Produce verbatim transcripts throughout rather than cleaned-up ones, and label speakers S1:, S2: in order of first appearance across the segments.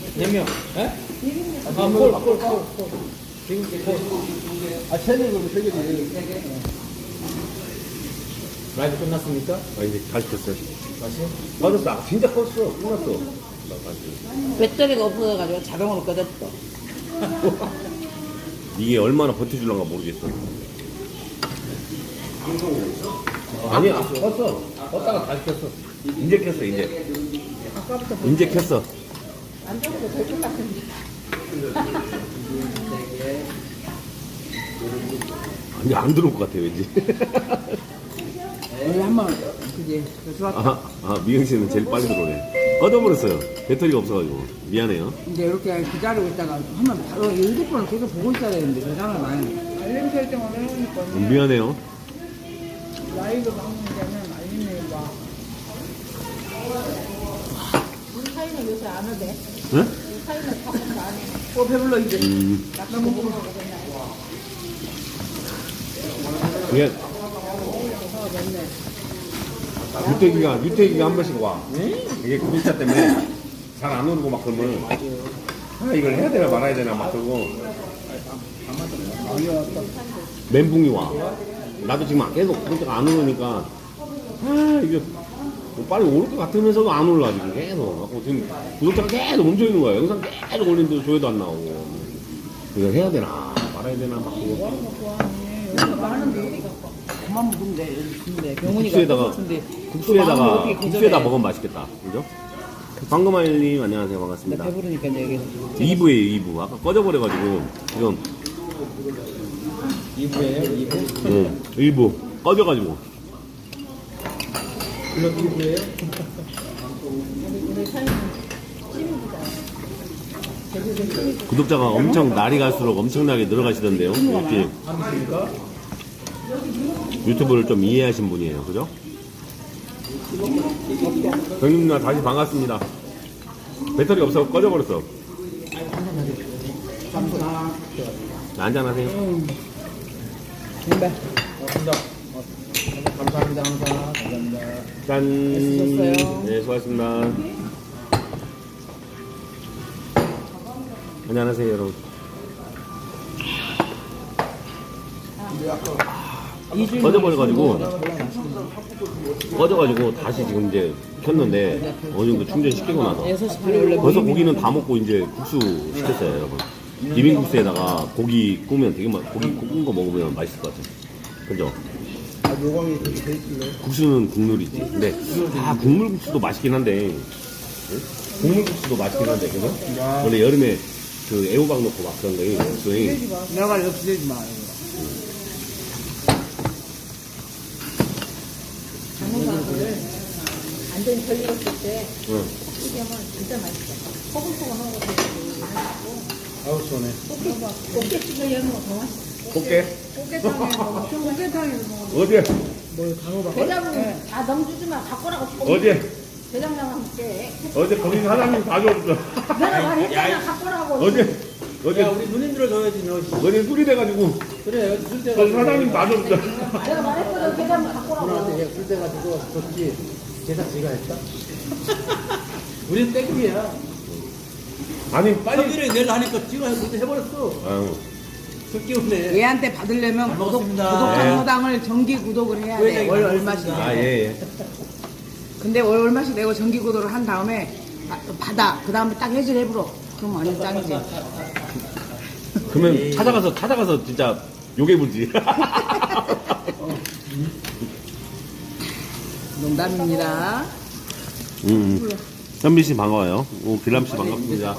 S1: 몇 명? 예? 아, 콜, 콜, 콜, 콜. 지금 콜.
S2: 아, 세 개, 그럼 세 개지.
S1: 라이브 끝났습니까?
S3: 아, 이제 다시 켰어요.
S1: 다시?
S3: 맞았어. 아, 진짜 컸어. 끝났어. 나 다시.
S4: 배터리가 없어가지고 자동으로 꺼졌어.
S3: 이게 얼마나 버텨줄란가 모르겠어. 아니야, 켰어. 껐다가 다시 켰어. 이제 켰어, 이제. 이제 켰어.
S4: 안 좋아도 될 것 같은데.
S3: 아니, 안 들어올 것 같아, 왠지.
S4: 우리 한번 그지 좋았다.
S3: 아, 아, 미영 씨는 제일 빨리 들어오네. 꺼져버렸어요. 배터리가 없어가지고. 미안해요.
S4: 이제 이렇게 기다리고 있다가 하면 바로 핸드폰을 계속 보고 있어야 되는데 대장을 많이. 알림 설정을 해놓으니까
S3: 음, 미안해요.
S4: 라이브 방송 되면 알림이 와. 우리 사이는 요새 안 오대.
S3: 응?
S4: 우리 사이는 바꿔서 안 해. 어 배불러 이제.
S3: 음,
S4: 너무 먹어보겠나.
S3: 이게 유태기가, 유태기가 한 번씩 와. 이게 구독자 때문에 잘 안 오르고 막 그러면 아, 이걸 해야 되나 말아야 되나 막 그러고 멘붕이 와. 나도 지금 계속 구독자가 안 오르니까 아, 이게 뭐 빨리 오를 것 같으면서도 안 올라 지금 계속. 하고 지금 구독자가 계속 멈춰 있는 거야. 영상 계속 올리는데도 조회도 안 나오고. 이걸 해야 되나 말아야 되나 막 그러고.
S4: 많은데 그만 먹으면 돼. 근데 병원이가
S3: 국수에다가 국수에다가 국수에다 먹으면 맛있겠다. 그죠? 방금알님 안녕하세요. 반갑습니다.
S4: 배부르니까 이제
S3: 이 부예요, 이 부. 아까 꺼져버려가지고 지금
S1: 이 부예요? 이 부?
S3: 응, 이 부 꺼져가지고
S1: 물론 이 부예요?
S3: 구독자가 엄청 날이 갈수록 엄청나게 늘어가시던데요. 역시
S1: 아닙니까?
S3: 유튜브를 좀 이해하신 분이에요. 그죠? 경님 누나 다시 반갑습니다. 배터리 없어 꺼져버렸어. 한잔하세요.
S4: 네.
S1: 고맙습니다. 어, 감사합니다. 항상. 감사합니다.
S3: 짠.
S4: 수고하셨어요.
S3: 네, 수고하셨습니다. 안녕하세요, 여러분. 꺼져버려가지고 꺼져가지고 다시 지금 이제 켰는데 어느 정도 충전시키고 나서
S4: 여섯 시 반에 원래
S3: 벌써 고기는 다 먹고 이제 국수 시켰어요, 여러분. 비빔국수에다가 고기 구우면 되게 맛, 고기 구운 거 먹으면 맛있을 것 같아요. 그죠?
S2: 아, 요광이 그렇게 돼 있길래.
S3: 국수는 국물이지. 근데 아 국물국수도 맛있긴 한데 응? 국물국수도 맛있긴 한데 그죠? 원래 여름에 그 애호박 넣고 막 그런 거예요. 국수에.
S4: 내가 이거 기대지 마. 이거. 장어밥을 완전히 덜 익었을 때
S3: 응.
S4: 이게 하면 진짜 맛있어. 포근포근하고 되게 맛있고.
S1: 아우, 시원해.
S4: 꽃게집을 여는 거더 맛있어.
S3: 꽃게?
S4: 꽃게탕에 먹어. 꽃게탕에 먹어.
S3: 어제
S4: 대장은 다 넘주지 마. 바꿔라고.
S3: 어제
S4: 대장랑 함께.
S3: 어제 거기 사장님 다 줬어.
S4: 내가 말했잖아. 바꿔라고.
S3: 어제 어제
S1: 야, 우리 누님들을 줘야지, 너.
S3: 어제 술이 돼가지고
S1: 그래, 여기 술
S3: 거기
S1: 돼가지고.
S3: 사장님 다 줬어.
S4: 내가 말했거든. 대장 바꿔라고.
S1: 누나한테 술 돼가지고 줬지. 제사 지가 했다? 우린 땡기야.
S3: 아니 빨리.
S1: 성일이 내일 하니까 지가 그때 해버렸어.
S3: 아유.
S1: 술 끼우네.
S4: 얘한테 받으려면
S1: 잘
S4: 구독,
S1: 먹었습니다.
S4: 구독정보당을 정기 구독을 해야 돼. 월 얼마씩.
S3: 아 예. 예.
S4: 근데 월 얼마씩 내고 정기 구독을 한 다음에 바- 받아. 그 다음에 딱 해지를 해버려. 그럼 완전 짱이지.
S3: 그러면 찾아가서 찾아가서 진짜 욕해 보지.
S4: 농담입니다.
S3: 음. 현빈 씨 반가워요. 오, 빌람 씨 반갑습니다.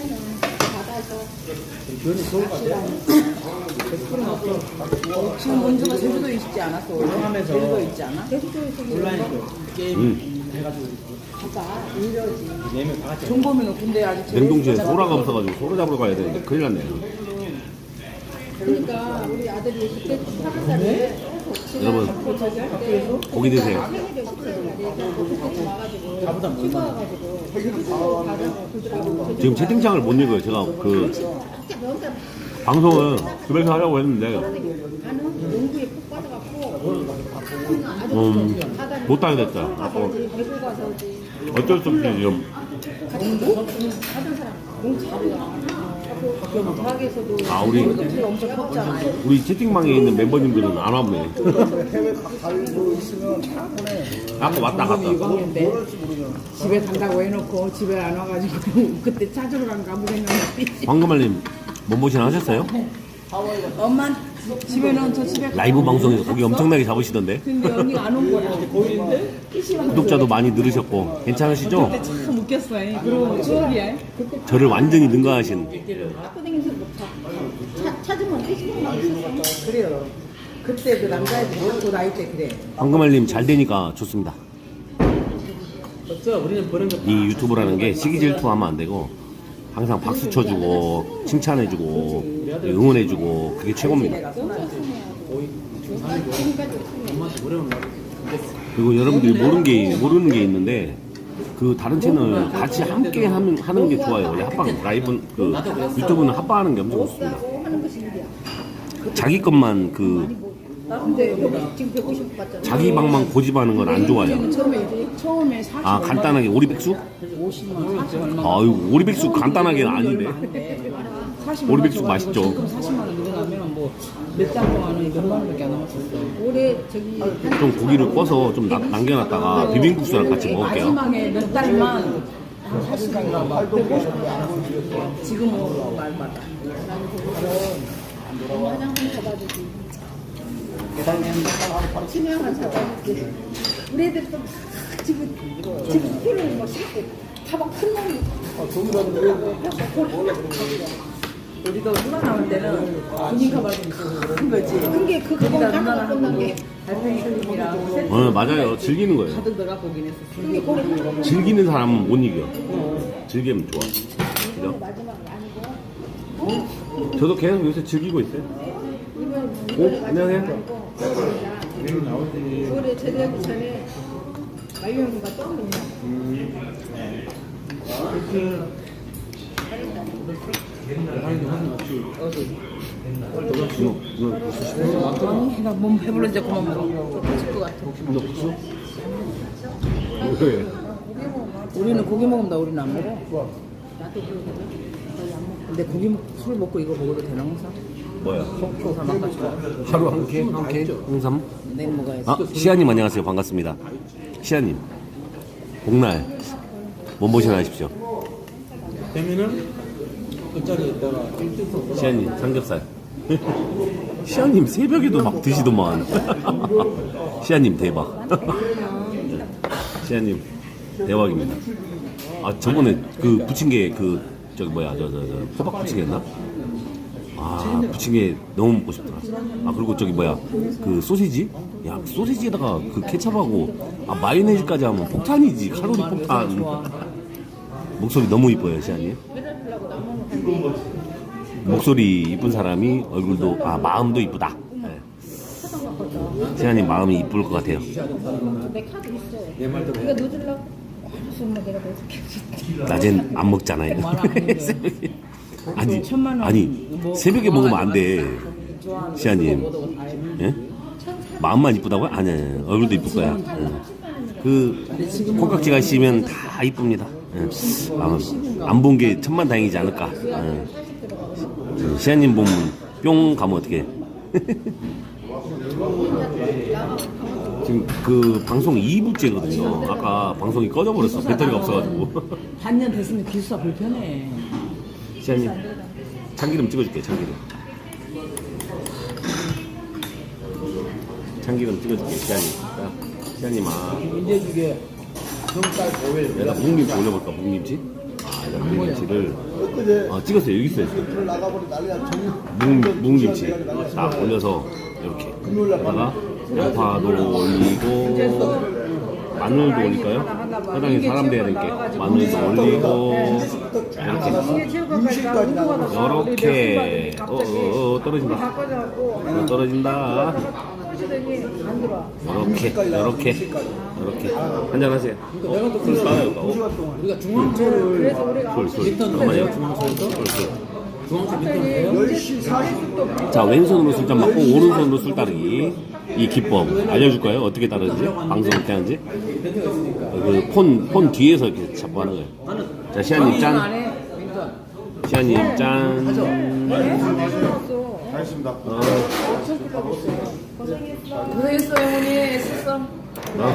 S4: 지금 원주가 제주도에 있지 않았어? 원래?
S1: 하면서
S4: 제주도에 있지 않아?
S1: 온라인 게임
S3: 음.
S1: 해가지고
S4: 아까 이러지.
S1: 네 명 다 같이.
S4: 종범이는 근데 아직 제일
S3: 냉동실에
S4: 진짜
S3: 소라가 없어가지고 소라 잡으러 가야 되는데 큰일 났네요.
S4: 그러니까 우리 아들이 그때 하는 살에
S3: 여러분 고기 드세요.
S1: 나보다 얼마나.
S3: 지금 채팅창을 못 읽어요. 제가 그 방송을 집에서 하려고 했는데
S4: 농구에 푹 빠져갖고
S3: 음, 못 하게 됐어요. 어, 어쩔 수 없이 지금 아 우리 우리 채팅방에 있는 멤버님들은 안 왔네.
S2: 해외 가고 있으면 차 보내.
S3: 아까 왔다 갔다.
S4: 유광인데 집에 간다고 해놓고 집에 안 와가지고 그때 찾으러 간 가보겠는데
S3: 황금알님 몸보신 하셨어요?
S4: 엄마 집에는 저 집에
S3: 라이브 방송에서 고기 엄청나게 잡으시던데.
S4: 근데 언니가 안 온 거야.
S3: 구독자도 많이 늘으셨고 괜찮으시죠?
S4: 그때 참 웃겼어요. 그리고 추억이야.
S3: 저를 완전히 능가하신.
S4: 그래요. 그때 그 남자애들 그 나이 때 그래.
S3: 황금알님 잘 되니까 좋습니다.
S1: 어쩌 우리는 버는 거
S3: 이 유튜브라는 게 시기 질투하면 안 되고 항상 박수 쳐주고 칭찬해주고 응원해주고 그게 최고입니다.
S1: 엄마한테 뭐라고 말
S3: 그리고 여러분들이 모르는 게 모르는 게 있는데 그 다른 채널 같이 함께 하는 하는 게 좋아요. 원래 합방 라이브 그 유튜브는 합방하는 게 엄청 좋습니다. 자기 것만 그 자기 방만 고집하는 건 안 좋아요.
S4: 처음에 처음에 사십
S3: 아 간단하게 오리백숙?
S4: 오십만 원, 사십만 원.
S3: 아유 오리백숙 간단하게는 아닌데. 오리백숙 맛있죠.
S4: 지금 사십만 원 늘어나면 뭐 몇 달 동안은 몇만 원밖에 안 남았었어. 올해 저기
S3: 좀 고기를 꺼서 좀 나- 남겨놨다가 비빔국수랑 같이 먹을게요.
S4: 마지막에 몇 달만 사십만 원, 백오십 원. 지금은 말마다.
S5: 화장품 사다 주지. 치명한 사다 주지. 우리 애들도 막 지금 지금 피를 뭐 씻고 다막 큰 놈이.
S4: 우리도 누나 나올 때는 군인 가방이 큰 거지.
S5: 그게 그
S4: 거기다
S5: 그거
S4: 누나랑
S5: 하나 끝난 게.
S4: 달팽이 스님이랑 세트
S3: 어 맞아요. 즐기는 거예요.
S4: 가득 들어가 보긴 했었어.
S5: 그게 거기
S3: 즐기는 사람은 못 이겨. 즐기면 좋아. 그죠?
S5: 마지막 아니고.
S3: 저도 계속 요새 즐기고 있어요. 오, 안녕하세요.
S5: 올해 제대하기 전에 말년이가 떠오르냐.
S4: 아니, 나몸 배불른데 그만 먹어. 터질 것 같아.
S3: 너 국수? 왜?
S4: 우리는 고기 먹으면 우리는 안 먹어. 근데 고기 먹, 술 먹고 이거 먹어도 되나 항상?
S3: 뭐야?
S4: 속초 사막까지
S3: 하루 한 개? 한 개? 홍삼?
S4: 내일 먹어야지.
S3: 아, 시아님 안녕하세요. 반갑습니다. 시아님. 복날. 몸보신 하십시오.
S1: 되면은 끝자리에다가 일등
S3: 시아님, 삼겹살. 시아님 새벽에도 막 드시더만. 시아님 대박. 시아님 대박입니다. 아 저번에 그 부침개 그 저기 뭐야 저 저 저 호박 부침개였나? 아 부침개 너무 먹고 싶더라. 아 그리고 저기 뭐야 그 소시지? 야 소시지에다가 그 케찹하고 아 마요네즈까지 하면 폭탄이지. 칼로리 폭탄. 목소리 너무 이뻐요 시아님. 목소리 이쁜 사람이 얼굴도 아 마음도 이쁘다. 네. 시아님 마음이 이쁠 것 같아요.
S5: 내 카드 있어.
S1: 내 말도
S5: 이거 넣어주려고. 알았어, 엄마 내가 넣어줄게.
S3: 낮엔 안 먹잖아요. 새벽에. 아니,
S4: 천만 원
S3: 아니
S4: 뭐
S3: 새벽에 먹으면 안 돼.
S4: 좋아하는
S3: 시아님. 예? 마음만 이쁘다고요? 아니, 아니 얼굴도 이쁠 거야. 응. 그 콩깍지가 씌면 다 이쁩니다. 예. 안 본 게 천만 다행이지 않을까. 예. 시아님 보면 뿅 가면 어떡해. 지금 그 방송 이 부째거든요. 아까 방송이 꺼져버렸어. 배터리가 없어가지고.
S4: 반년 됐으면 기수가 불편해.
S3: 시아님 참기름 찍어줄게. 참기름 참기름 찍어줄게. 시아님 시아님 아
S1: 민재죽에 정쌀 고웰
S3: 내가 묵김치 올려볼까. 묵김치 아 이거 묵김치를
S2: 그제
S3: 어 찍었어요. 여기 있어요.
S2: 오늘 나가버리 난리야. 정
S3: 묵, 묵김치 딱 올려서 이렇게 여기다가 양파도 올리고 마늘도 올릴까요? 사장님 사람 돼야 되니까 마늘도 올리고 이렇게 이렇게 어, 어, 어, 떨어진다 어, 떨어진다 이렇게 이렇게 이렇게 한잔 하세요. 어, 술 따라요. 어,
S1: 우리가 중앙초를
S3: 술, 술.
S1: 리턴
S3: 잠깐만요.
S1: 넘어요 중앙초에서
S3: 술, 술.
S1: 중앙초 리턴 해요.
S2: 열 시 사십 분.
S3: 자 왼손으로 술잔 맞고 오른손으로 술 따르기 이 기법 알려줄까요? 어떻게 따르는지 방송 어떻게 하는지 그 폰 폰 뒤에서 이렇게 잡고 하는 거예요.
S1: 나는
S3: 자, 시아님
S4: 안
S3: 짠.
S4: 해. 윈터.
S3: 시아님 짠.
S2: 알겠습니다.
S3: 어,
S4: 고생했어 어머니. 애썼어.
S3: 어.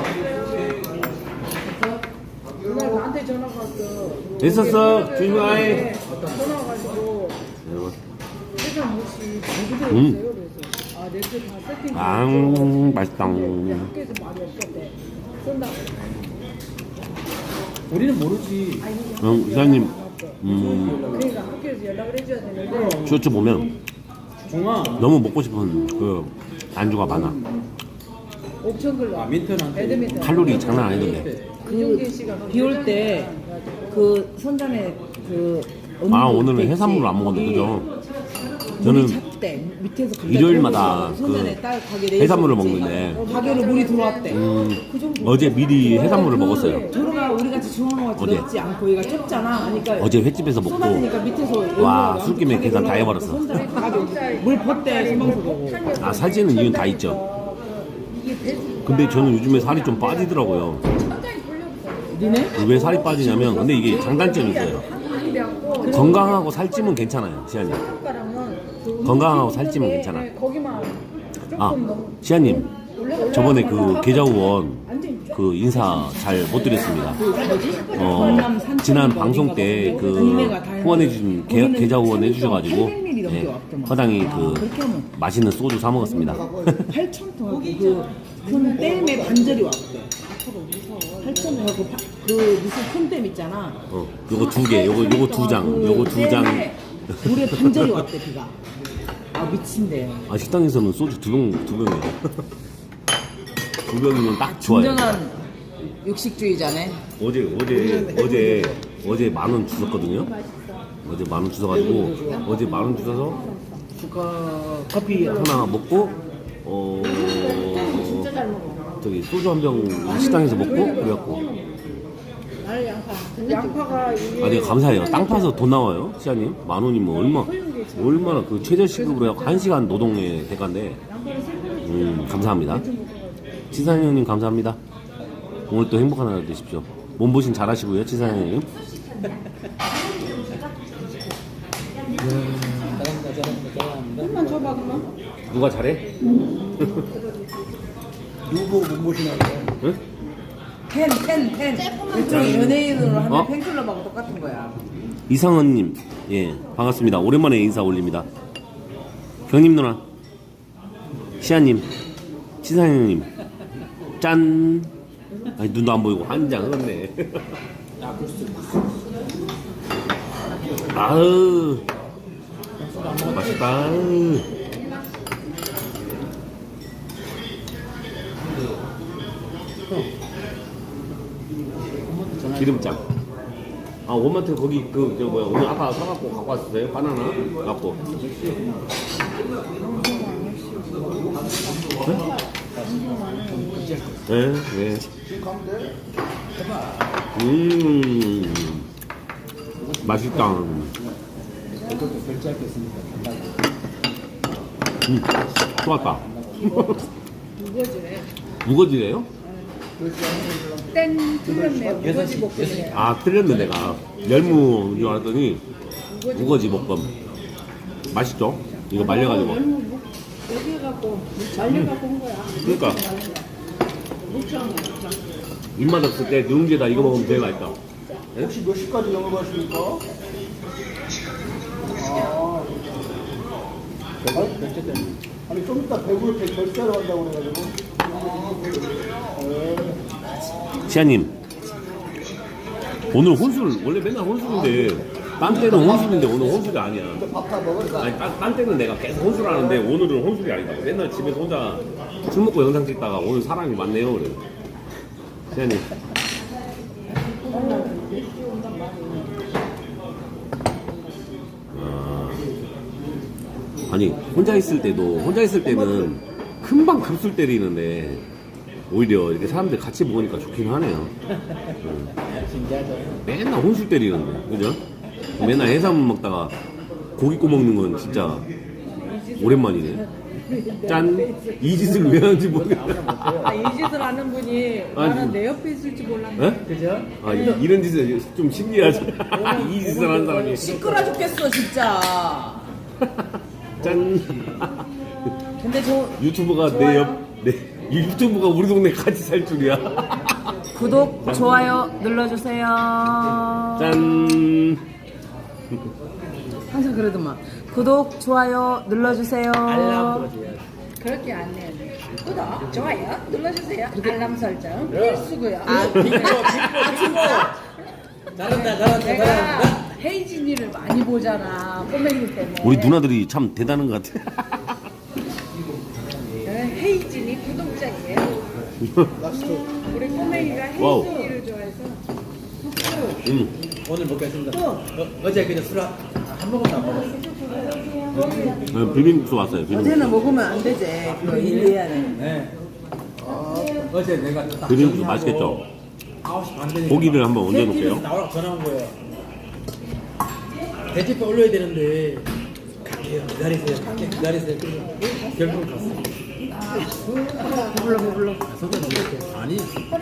S5: 그날 나한테 전화가 왔어.
S3: 됐었어. 조심하게.
S5: 전화 와가지고 회장 혹시 누구들
S3: 음.
S5: 있어요? 그래서 아 내일 다 세팅.
S3: 아, 맛있다.
S5: 학교에서 말이 없었대. 쏜다.
S1: 우리는 모르지.
S3: 응, 시아님. 음,
S5: 그러니까 학교에서 연락을 해줘야 되는데
S3: 쇼츠 보면
S1: 종아.
S3: 너무 먹고 싶은 그 안주가 많아.
S5: 옥천 글로
S1: 아, 민턴한테.
S5: 배드민턴.
S3: 칼로리 장난 아니던데.
S5: 이용진 씨가
S4: 비 올 때 그 선전에 그
S3: 아, 오늘은 해산물을 안 먹었네, 그죠?
S4: 저는
S3: 저는
S4: 때 밑에서 감자
S3: 일요일마다
S4: 들고 선전에
S3: 그
S4: 딸 가게 내일
S3: 해산물을
S4: 있었지.
S3: 먹는데
S4: 가게로 물이 들어왔대.
S3: 음, 어제 미리 해산물을 먹었어요.
S4: 도로가 우리 같이 중앙로가
S3: 어제.
S4: 들어있지 않고 얘가 좁잖아. 그러니까
S3: 어제 횟집에서 먹고
S4: 쏟아지니까 밑에서
S3: 와, 술김에 계산 다 해버렸어.
S4: 물 벗대 소방서 보고.
S3: 아, 살찌는 이유는 다 있죠. 근데 저는 요즘에 살이 좀 빠지더라고요.
S4: 니네?
S3: 왜 살이 빠지냐면 근데 이게 장단점이 있어요. 건강하고 살찌면 괜찮아요, 시아님. 건강하고 살찌면 괜찮아.
S5: 거기만
S3: 아, 시아님. 저번에 그 계좌후원 그 인사 잘 못 드렸습니다. 어, 지난 방송 때 그 후원해주신 계- 계좌 후원 해주셔가지고 예, 허당이 그 맛있는 소주 사 먹었습니다.
S4: 팔천 통 그큰 댐에 반절이 왔대. 팔천 통 하고 파- 그 무슨 큰 댐 있잖아.
S3: 어, 요거 두 개, 요거 요거 두 장, 요거 두 장.
S4: 물에 반절이 왔대 비가. 아 미친데.
S3: 아, 식당에서는 소주 두 병, 두 병이에요. 두 병이면 딱 좋아요.
S4: 진정한 육식주의자네.
S3: 어제 어제 어제 어제 만 원 주셨거든요. 어제 만 원 주셔가지고 어제 만 원 주셔서 슈가 커피 하나 먹고 어 저기 소주 한 병 식당에서 먹고 그래갖고
S5: 양파가 이게
S3: 아, 내가 감사해요. 땅 파서 돈 나와요, 시아님. 만 원이면 얼마 얼마나 그 최저시급으로 해갖고 한 시간 노동의 대가인데 음 감사합니다. 치사연 형님 감사합니다. 오늘 또 행복한 하루 되십시오. 몸보신 잘하시고요, 치사연 형님.
S1: 잘합니다, 잘합니다, 잘합니다.
S5: 한번 줘봐 그러면.
S3: 누가 잘해?
S2: 누구 못 모시나요?
S3: 응?
S4: 팬, 팬, 팬. 일종의 연예인으로 하는
S3: 어?
S4: 팬클럽하고 똑같은 거야.
S3: 이상은님, 예, 반갑습니다. 오랜만에 인사 올립니다. 경님 누나, 시아님, 치사연님, 짠. 아니, 눈도 안 보이고 한 장 흘렀네. 아으, 맛있다. 기름장. 아, 원마트 거기 그 저 뭐야 오늘 아까 사갖고 갖고 왔었어요? 바나나 갖고. 네, 네. 음, 맛있다. 음, 좋았다.
S5: 무거지네.
S3: 무거지래요?
S5: 땡 틀렸네. 무거지 볶음이네.
S3: 아, 틀렸네 내가. 열무인 줄 알았더니 우거지 볶음. 맛있죠? 이거 말려가지고.
S5: 여기 해갖고 말려갖고 온 거야.
S3: 그러니까 입맛 없을 때 누룽지에다 이거 먹으면 되게 맛있다.
S2: 혹시 몇 시까지 영업하십니까? 아, 아니 좀 이따 배부를 때 결제하러 간다고 그래가지고.
S3: 시아님, 오늘 혼술 원래 맨날 혼술인데 딴 때는 혼술인데 오늘 혼술이 아니야.
S2: 밥 다 먹었어.
S3: 아니 딴, 딴 때는 내가 계속 혼술하는데 오늘은 혼술이 아니다. 맨날 집에서 혼자 술 먹고 영상 찍다가 오늘 사람이 많네요. 그래. 시아님. 아, 아니 혼자 있을 때도 혼자 있을 때는 금방 급술 때리는데 오히려 이렇게 사람들 같이 먹으니까 좋긴 하네요. 응. 맨날 혼술 때리는데, 그죠? 맨날 해산물 먹다가 고기 구워 먹는 건 진짜 오랜만이네. 짠. 이 짓을 왜 하는지 모르겠다.
S4: 아, 이 짓을 하는 분이
S3: 아니.
S4: 나는 내 옆에 있을지 몰랐네.
S3: 어?
S1: 그죠?
S3: 아, 이, 이런 짓을 좀 신기하지. 이 짓을 하는 사람이.
S4: 시끄러 죽겠어 진짜.
S3: 짠.
S4: 근데 저
S3: 유튜브가 내 옆, 내, 이 유튜브가 우리 동네 같이 살 줄이야.
S4: 구독 좋아요 눌러주세요.
S3: 짠.
S4: 항상 그러더만 구독 좋아요 눌러주세요.
S1: 알람 들어줘야지.
S5: 그렇게 안 해요. 구독, 좋아요 눌러주세요. 알람 설정 필수고요.
S4: 아,
S1: 잘한다, 잘한다,
S5: 내가
S1: 잘한다.
S5: 헤이진이를 많이 보잖아. 꼬맹이 때문에.
S3: 우리 누나들이 참 대단한 것 같아.
S5: 헤이진이 구독자예요. 우리 꼬맹이가
S3: 와우.
S5: 헤이진이를 좋아해서.
S3: 음.
S1: 오늘 먹겠습니다. 어, 어제 그냥 술한 모금도 안 먹었어.
S3: 네, 비빔국수 왔어요. 비빔국수.
S4: 어제는 먹으면 안 되지. 그거 일해야 돼.
S1: 네. 어제 내가 딱
S3: 비빔국수
S1: 정리하고
S3: 맛있겠죠?
S1: 아홉 시 반 되니까
S3: 고기를 한번 얹어놓을게요.
S1: 팬티에서 나오라고 전화 온 거예요. 대지표 올려야 되는데 갈게요. 기다리세요. 갈게 기다리세요. 그래서 결국 갔어.
S4: 배불러 배불러.
S1: 속에 이렇게 아니.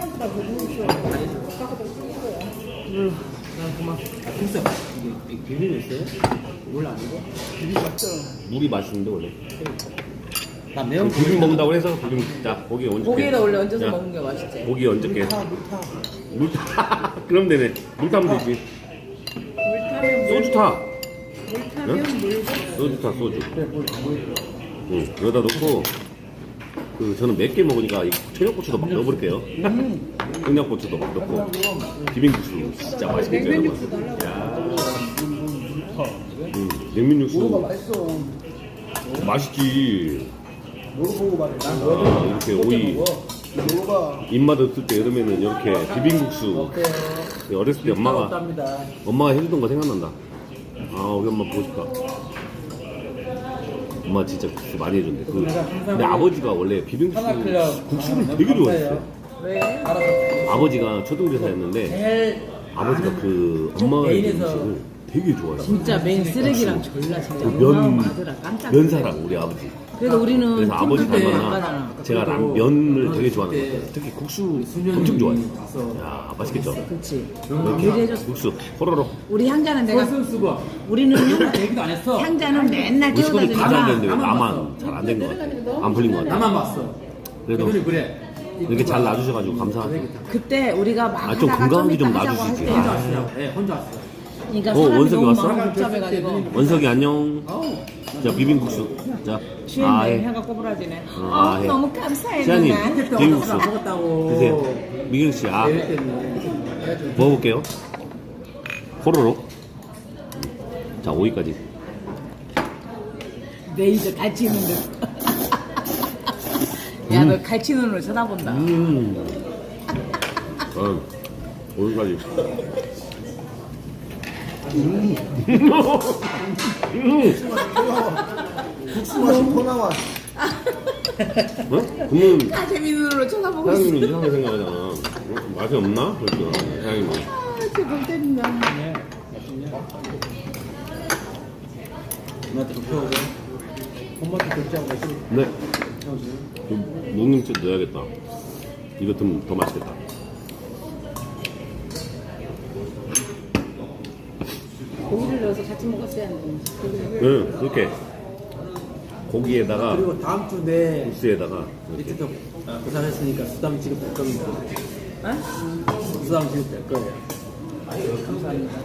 S1: 아니. 난 그만. 글쎄 이게 비빔 있어요? 물 아니고? 비빔 맞죠?
S3: 물이 맛있는데 원래.
S1: 나 매운 거
S3: 비빔 먹는다고 해서 비빔 자 고기 얹을게.
S4: 고기에다 원래 얹어서
S3: 자,
S4: 먹는 게 맛있지.
S3: 고기 얹을게.
S1: 물타 물타.
S3: 물 타. 그럼 되네. 물 타면 되지.
S5: 물 타면 물,
S3: 소주 타.
S5: 물 타면 물.
S3: 소주 타 소주.
S1: 그래 물 물.
S3: 응. 여기다 넣고 그 저는 맵게 먹으니까 이 청양고추도 막 넣어볼게요. 청양고추도 막 넣고 비빔국수 진짜 맛있겠죠 여러분. 야. 음, 냉면 육수
S2: 뭐가 맛있어.
S3: 맛있지.
S2: 먹어보고 말해. 난
S3: 아, 이렇게 오이
S2: 먹어봐.
S3: 입맛 없을 때 여름에는 이렇게 비빔국수. 어렸을 때 엄마가
S1: 없답니다.
S3: 엄마가 해주던 거 생각난다. 아 우리 엄마 보고 싶다. 엄마 진짜 국수 많이 해줬는데 그 근데 아버지가 원래 비빔국수
S1: 하나클럽
S3: 국수를 되게 좋아했어.
S4: 왜?
S1: 알아서.
S3: 아버지가 초등교사였는데
S1: 제일
S3: 아버지가 그 엄마가 해준
S1: 메인에서
S3: 음식을 되게 좋아했어.
S4: 진짜 맨 쓰레기랑 졸라 진짜
S3: 그 면,
S4: 어마어마하더라. 깜짝.
S3: 면사랑 우리 아버지.
S4: 그래서 우리는
S3: 그래서 아버지
S4: 틈틈이 안
S3: 닮았나
S4: 가잖아.
S3: 제가 라, 면을 되게 좋아하는 것 같아요. 특히 국수 엄청 좋아해요. 야 맛있겠죠?
S4: 그렇지.
S3: 이렇게
S4: 해줬어.
S3: 국수 호로로.
S4: 우리 향자는 내가
S1: 소스 쓰고
S4: 우리는 향,
S1: 얘기도 안 했어.
S4: 향자는 맨날
S3: 우리
S4: 깨워다
S3: 식구들 다 잘 됐는데 왜
S4: 주니까
S3: 나만 잘 안 된 것 같아. 안 풀린 것 같아.
S1: 나만 봤어.
S3: 그래도
S1: 그들이 그래.
S3: 이렇게 잘 놔주셔가지고 감사하고.
S4: 그때 우리가 막
S3: 아, 좀
S4: 하다가
S3: 건강하게
S4: 좀
S3: 좀
S4: 이따 하자고 할
S3: 놔주시지.
S4: 때
S1: 혼자 왔어요. 네, 혼자 왔어요.
S4: 그러니까
S3: 어,
S4: 사람이
S3: 원석이
S4: 너무
S3: 왔어?
S4: 마음 복잡해가지고
S3: 원석이 안녕.
S1: 아우.
S3: 자 비빔국수. 자
S4: 취했네.
S3: 아예.
S4: 해가 꼬부라지네.
S3: 어,
S4: 아,
S3: 아, 예.
S4: 너무 감사해
S3: 시아님
S4: 누나.
S3: 비빔국수
S1: 안 먹었다고.
S3: 드세요. 미경 씨 아.
S1: 내일 때문에. 그래가지고
S3: 먹어볼게요. 호로로. 자 오이까지.
S4: 내 이제 갈치 눈으로. 야, 너 갈치 눈으로 쳐다본다.
S3: 음. 어, 오이까지. 음. 음.
S2: 국수 맛이 더 나와.
S3: 어? 그러면
S4: 가재미 눈으로 쳐다보고 있어.
S3: 사장님은 이상하게 생각하잖아. 어? 맛이 없나? 그렇죠. 사장님은.
S4: 아, 제발 때린다.
S1: 네. 누나한테 눕혀오고. 엄마한테 결제하고 있어.
S3: 네. 좀 녹림채 넣어야겠다. 이거 좀 더 맛있겠다.
S5: 고기를 넣어서 같이 먹었어야 하는데.
S3: 응, 이렇게 고기에다가
S1: 그리고 다음 주 내
S3: 국수에다가
S1: 이렇게 또 부산했으니까 수당 지급될 겁니다.
S4: 어?
S1: 수당 지급될 거예요. 아유 감사합니다.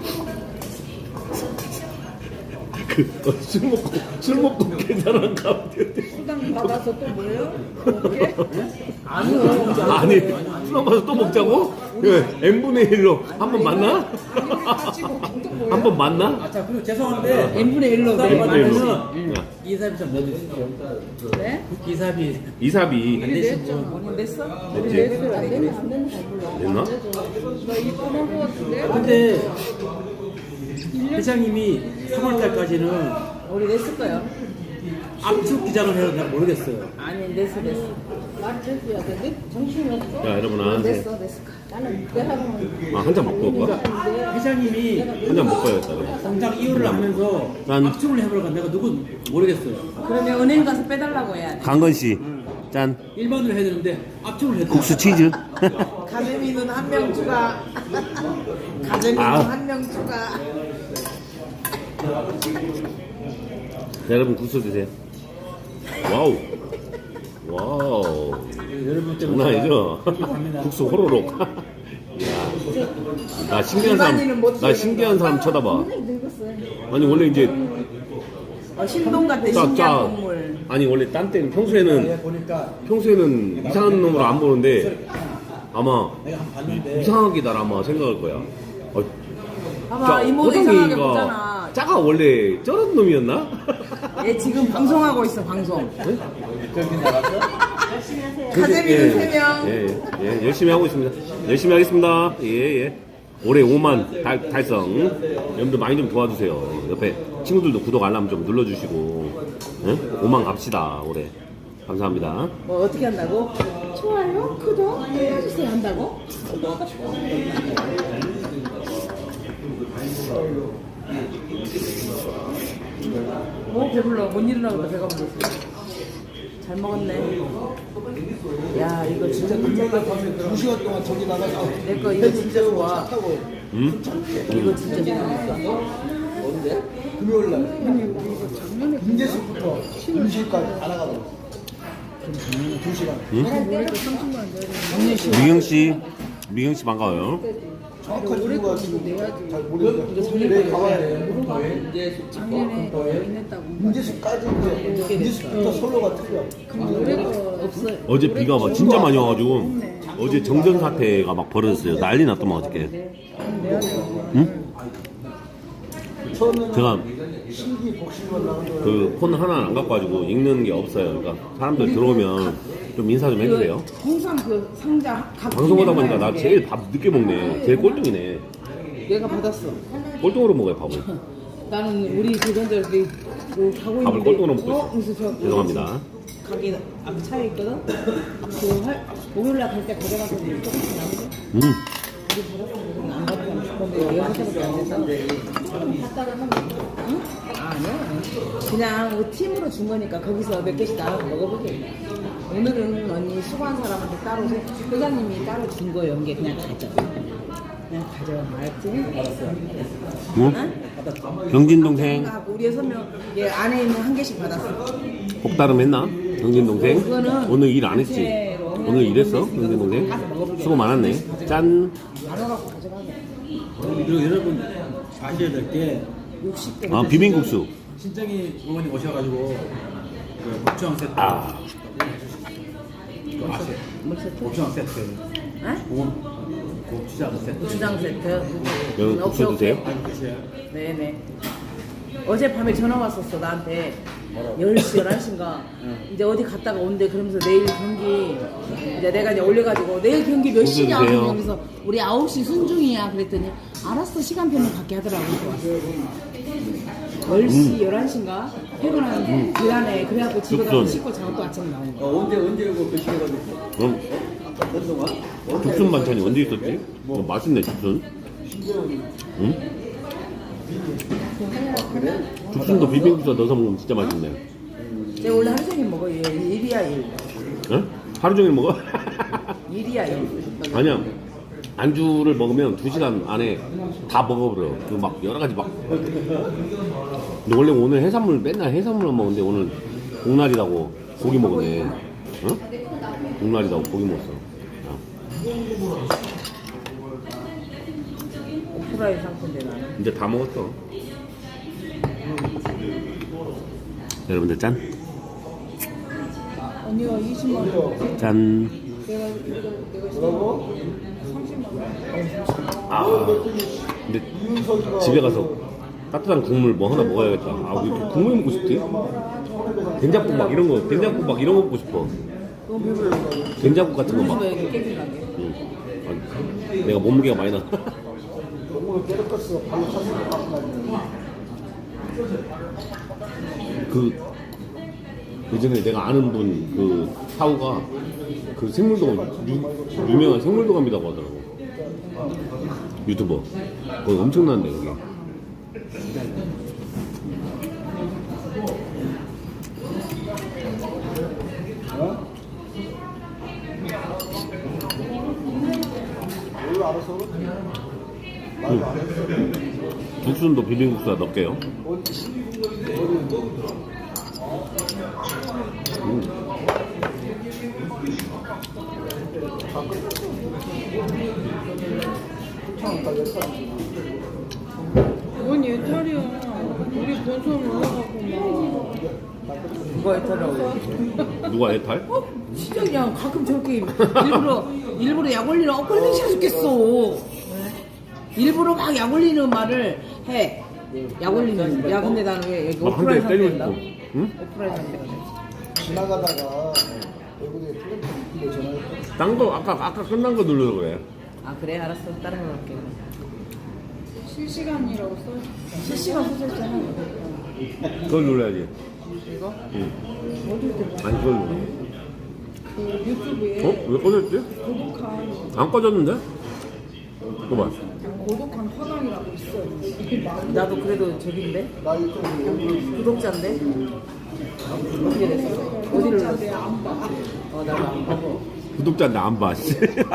S3: 그, 어, 술 먹고 술 먹고 계산한 가운데
S5: 수당 받아서 또 뭐예요? 어떻게?
S1: 아니요.
S3: 아니 술 마서 또 먹자고? 예, n분의 일로 한 번 만나? 한 번 만나?
S1: 아, 자, 그리고 죄송한데.
S4: n분의 일로
S1: 수당
S3: n분의 일로.
S1: 받으면
S3: 야,
S1: 기사비 좀 넣어주십시오.
S5: 네?
S1: 기사비
S3: 이사비
S1: 안 되신 분.
S4: 뭐 냈어?
S3: 됐지?
S5: 냈어요. 안 되면 안 되는 잘 몰라.
S3: 됐나?
S5: 나 입금한 거 같은데?
S1: 근데 회장님이 삼월달까지는
S4: 우리 냈을 거요.
S1: 압축 기장을 해서 잘 모르겠어요.
S4: 아니 냈어 냈어.
S5: 말 됐어야 돼. 정신이 없어.
S3: 자, 여러분, 아, 네.
S5: 됐어, 됐어. 나는 내가 보면
S3: 아, 한 잔 먹고 올 거야?
S1: 회장님이
S3: 한 잔 먹고 야겠다 그래.
S1: 당장 이혼을 하면서
S3: 난-
S1: 압축을 해보려고 내가 누구 모르겠어요.
S4: 그러면 은행 가서 빼달라고 해야 돼.
S3: 강건 씨, 짠.
S1: 일반으로 해야 되는데 압축을 해야 돼.
S3: 국수 치즈.
S4: 가재미는 한 명 추가. 가재미는
S3: 아.
S4: 한 명 추가.
S3: 자, 여러분 국수 드세요. 와우. 와우.
S1: 여러분
S3: 장난 아니죠? 국수 호로록. 야, 나 신기한 사람, 나 신기한 사람 쳐다봐.
S5: 늙었어요.
S3: 아니 원래 이제
S4: 어, 신동 같은
S3: 짜,
S4: 신기한
S3: 짜.
S4: 동물.
S3: 아니 원래 딴 때는 평소에는
S2: 보니까
S3: 평소에는 이상한 놈으로 안 보는데 아마
S2: 내가 한 번 봤는데
S3: 이상하게 날 아마 생각할 거야. 어,
S4: 봐봐 이모도 이상하게 보잖아.
S3: 짜가 원래 저런 놈이었나?
S4: 얘 지금 방송하고 있어 방송.
S2: 저기 나가서
S4: 가재미는 세 명.
S3: 예, 예, 열심히 하고 있습니다. 열심히 하겠습니다. 예, 예. 올해 오만 달, 달성. 여러분들 많이 좀 도와주세요. 옆에 친구들도 구독 알람 좀 눌러주시고. 예? 오만 갑시다, 올해. 감사합니다.
S4: 뭐 어떻게 한다고?
S5: 좋아요, 구독 눌러주세요 한다고?
S4: 뭐 배불러 못 일어나고 배가 불렀어. 잘 먹었네. 야 이거 진짜
S2: 두 시간 동안 저기 나가서
S4: 내 거 이거 진짜 좋아.
S2: 타고
S3: 응?
S4: 이거 진짜 좋아.
S2: 언제? 금요일 날 인제수부터 임실까지 다 나가고 두 시간
S3: 미경 씨, 미경 씨 반가워요.
S2: 정확한 이유가 지금 잘 모르겠는데 내일 가봐야 돼.
S5: 작년에 인했다고.
S2: 인제수까지 이제 인제수부터 솔로가 틀려.
S5: 노래가 없어요.
S3: 어제 비가 막 진짜 많이 와가지고 어제 정전 사태가 막 벌어졌어요. 난리 났더만 어저께. 응?
S2: 처음에는
S3: 제가
S2: 신기 복싱만 나오는데
S3: 그 폰 하나 안 갖고 가지고 읽는 게 없어요. 그러니까 사람들 들어오면 좀 인사 좀 해주세요.
S4: 항상 그 상자 각
S3: 방송하다 보니까 나 제일 밥 늦게 먹네. 제일 꼴등이네.
S4: 내가 받았어.
S3: 꼴등으로 먹어요 밥을.
S4: 나는 우리 조선들 그, 그 가고
S3: 밥을
S4: 있는데
S3: 꼴등으로 먹고
S4: 어?
S3: 있어.
S4: 그래서 저
S3: 죄송합니다.
S4: 가게 앞 차에 있거든. 그 할, 목요일날 갈 때 가져가서 조금씩 남는데
S3: 음.
S4: 안 받고 싶은데 여섯 개밖에 안 돼서
S5: 갔다가 하면
S4: 응? 아니야. 그냥 뭐 팀으로 준 거니까 거기서 몇 개씩 나눠서 먹어보게. 오늘은 언니 수고한 사람한테 따로 세- 회장님이 따로 준 거 연계 그냥 가져. 그냥 가져. 알았지? 알았어.
S3: 응? 경진 동생
S4: 하고 우리 여섯 명 얘 안에 있는 한 개씩 받았어.
S3: 복다름 했나? 경진 동생
S4: 그거는
S3: 오늘 일 안 했지?
S4: 단체로
S3: 오늘 일했어? 경진 동생 수고 많았네. 짠.
S4: 나눠갖고 가져가게.
S1: 그리고 여러분 아셔야 될 게
S4: 육십 대.
S3: 아 비빔국수.
S1: 신정이 어머니 오셔가지고 그 고추장 세트
S3: 아
S1: 그거 아세요?
S4: 뭐 세트?
S1: 고추장 세트
S4: 어?
S1: 고- 고추장 세트
S4: 고추장 세트.
S3: 여기
S4: 음,
S3: 국수
S4: 오케이,
S3: 드세요?
S4: 오케이.
S1: 아니 그치야
S4: 네네. 어젯밤에 전화 왔었어 나한테. 열 시, 열한 시인가 이제 어디 갔다가 온대. 그러면서 내일 경기 이제 내가 이제 올려가지고 내일 경기 몇 시냐
S3: 어서 드세요.
S4: 그러면서 우리 아홉 시 순중이야 그랬더니 알았어 시간표는 갖게 하더라고. 열 시, 열한 시인가 퇴근한 기간에 그래갖고 집에 가서
S3: 죽순.
S4: 씻고 자고 또 아침에 나온 거야.
S1: 어, 언제 언제 오고 몇 시에 가고
S3: 그럼
S1: 한동안
S3: 죽순 반찬이 언제 있었지? 뭐 맛있네 죽순. 응? 죽순도 비빔국수 넣어서 먹으면 진짜 맛있네.
S4: 내가 원래 하루 종일 먹어. 얘 일이야 일.
S3: 응? 하루 종일 먹어?
S4: 일이야 일.
S3: 아니야. 안주를 먹으면 두 시간 안에 다 먹어버려. 그 막 여러 가지 막. 근데 원래 오늘 해산물 맨날 해산물만 먹는데 오늘 복날이라고 고기 먹었네. 응? 복날이라고 고기 먹었어. 야,
S4: 오프라인 상태인데 나는.
S3: 이제 다 먹었어. 여러분들 짠.
S5: 언니가 이십만 원.
S3: 짠.
S5: 내가 내가 내가
S2: 뭐라고?
S5: 삼십만 원.
S3: 아. 근데 집에 가서 따뜻한 국물 뭐 하나 먹어야겠다. 아, 왜 이렇게 국물 먹고 싶지? 된장국 막 이런 거, 된장국 막 이런 거 먹고 싶어.
S4: 너무 배불러.
S3: 된장국 같은 거 막.
S4: 왜 이렇게 깨진 가게?
S3: 응. 아, 내가 몸무게가 많이 나.
S2: 오늘 깨끗했어. 발로 찼어.
S3: 그 예전에 내가 아는 분 그 사우가 그 생물도감 유, 유명한 생물도감이라고 하더라고. 유튜버. 거기 엄청난데 거기.
S2: 어? 뭘 알아서? 나도 안 했어.
S3: 국순도 비빔국수에 넣을게요.
S2: 어디?
S3: 음.
S5: 뭔 예탈이야. 우리 본선 올라가고
S4: 누가 했더라고.
S3: 누가 애탈?
S4: 진짜 그냥 가끔 저렇게 일부러 일부러 약 올리는 엇걸리기 싫어 죽겠어. 일부러 막 약 올리는 말을 해. 약 올리는. 야 근데 나는 왜 여기
S3: 막 한 대
S4: 오프라인
S3: 때리고
S4: 상태인가?
S3: 싶고. 응?
S4: 오프라인 상태가.
S2: 지나가다가 외국에 플랜트 있길래 전화했더니
S3: 딴 거 아까 아까 끝난 거 누르려 그래.
S4: 아 그래 알았어 다른 거 할게.
S5: 실시간이라고 써.
S4: 실시간 소설잖아.
S3: 그걸 눌러야지.
S4: 이거?
S3: 응.
S5: 어딜 들어?
S3: 아니 그걸 눌러.
S5: 그 유튜브에
S3: 어? 왜 꺼졌지?
S5: 고독한
S3: 안 꺼졌는데? 이거 봐.
S5: 고독한 화강이라고 있어.
S4: 나도 그래도 저긴데
S2: 나 유튜브
S4: 구독자인데 어떻게 됐어? 어디를 눌렀어?
S5: 구독자인데 안 봐.
S4: 어 나도 안 보고.
S3: 구독자인데 안 봐. 씨.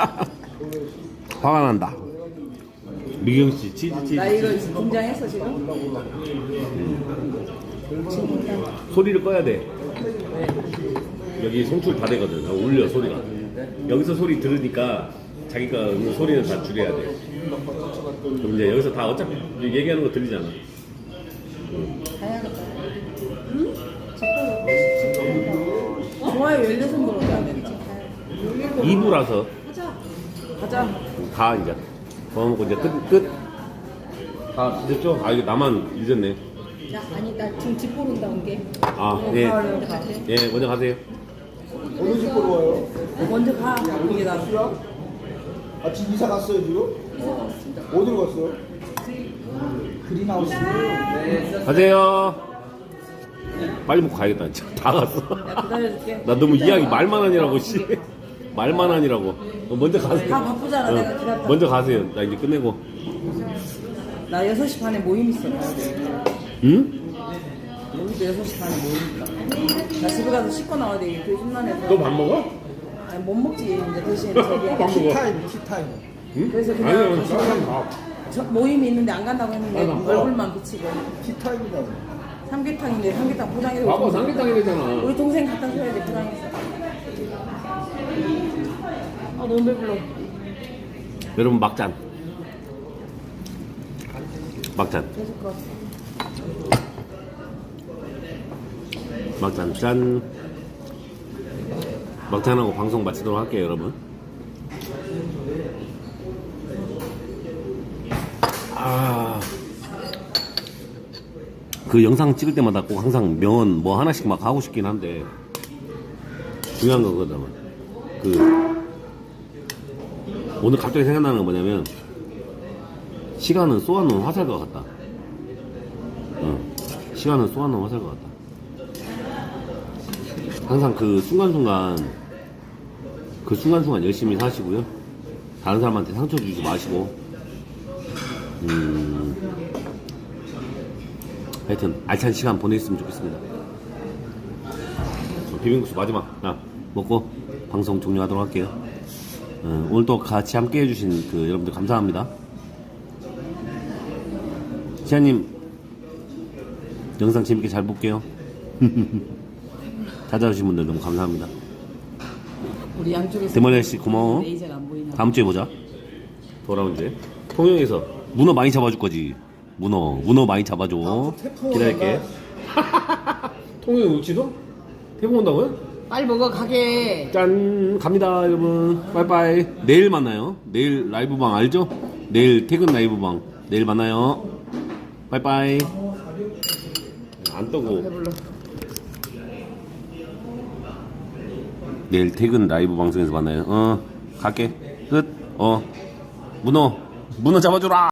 S3: 화가 난다. 미경 씨 치즈 치즈.
S4: 나 이거 긴장했어 지금?
S3: 소리를 꺼야 돼. 여기 송출 다 되거든. 울려 소리가. 여기서 소리 들으니까 자기가 있는 소리는 다 줄여야 돼. 그럼 이제 여기서 다 어차피 얘기하는 거 들리잖아.
S4: 좋아요 열여섯 번 올려야 되지.
S3: 이 부라서
S4: 가자.
S3: 다 이제 더 먹고 이제 끝 끝. 다 늦었죠? 아 이거 나만 늦었네.
S5: 야, 아니 나 지금 집 보러 온다 온 게.
S3: 아 예.
S5: 먼저 가세요.
S3: 예 먼저 가세요.
S2: 어느 집 보러 와요?
S4: 먼저 가. 이게 나.
S2: 아 지금 이사 갔어요 지금? 어디로 갔어요? 그린하우스.
S3: 가세요. 빨리 먹고 가야겠다. 진짜 다 갔어.
S4: 야 기다려줄게.
S3: 나 너무 이야기 말만 하니라고 씨. 말만 하니라고. 어, 먼저 가세요.
S4: 다 바쁘잖아, 내가 기다렸다.
S3: 먼저 가세요. 나 이제 끝내고.
S4: 나 여섯 시 반에 모임 있어. 가야 돼.
S3: 응?
S4: 여기도 여섯 시 반에 모임 있다. 나 집에 가서 씻고 나와야 돼. 그 심란해서.
S3: 너 밥 먹어?
S4: 아니 못 먹지. 이제 대신 저기.
S3: 밥 먹어.
S2: 티타임 티타임.
S3: 응?
S4: 그래서 그냥
S3: 아니요,
S4: 거기서
S3: 쌀밥 밥.
S4: 저 모임이 있는데 안 간다고 했는데
S3: 아, 나
S4: 얼굴만 비치고.
S2: 티타임이다.
S4: 삼계탕인데 삼계탕 포장해서.
S3: 밥은 삼계탕이 되잖아.
S4: 우리 동생 갖다 줘야 돼 포장해서. 아 너무 배불러.
S3: 여러분 막잔. 막잔.
S4: 계속 가.
S3: 막잔 짠. 막잔하고 방송 마치도록 할게요, 여러분. 아. 그 영상 찍을 때마다 꼭 항상 명언 뭐 하나씩 막 하고 싶긴 한데 중요한 거거든. 그 오늘 갑자기 생각나는 건 뭐냐면 시간은 쏘아놓은 화살과 같다. 응. 시간은 쏘아놓은 화살과 같다. 항상 그 순간순간 그 순간순간 열심히 사시고요. 다른 사람한테 상처 주지 마시고 음 하여튼 알찬 시간 보냈으면 좋겠습니다. 비빔국수 마지막 나 먹고 방송 종료하도록 할게요. 어, 오늘 또 같이 함께 해주신 그 여러분들 감사합니다. 시아님 영상 재밌게 잘 볼게요. 찾아주신 분들 너무 감사합니다.
S4: 우리 양쪽에서.
S3: 대머리 아저씨 고마워.
S4: 레이저가 안 보이나.
S3: 다음 주에 보자. 돌아온 주에 통영에서 문어 많이 잡아줄 거지. 문어 문어 많이 잡아줘. 기다릴게. 통영 우치도? 태국 온다고요?
S4: 빨리 먹어 가게.
S3: 짠 갑니다 여러분. 빠이빠이. 내일 만나요. 내일 라이브방 알죠? 내일 퇴근 라이브방 내일 만나요. 빠이빠이. 안 떠고
S4: 배불러.
S3: 내일 퇴근 라이브 방송에서 만나요. 어 갈게 끝. 어 문어 문어 잡아줘라.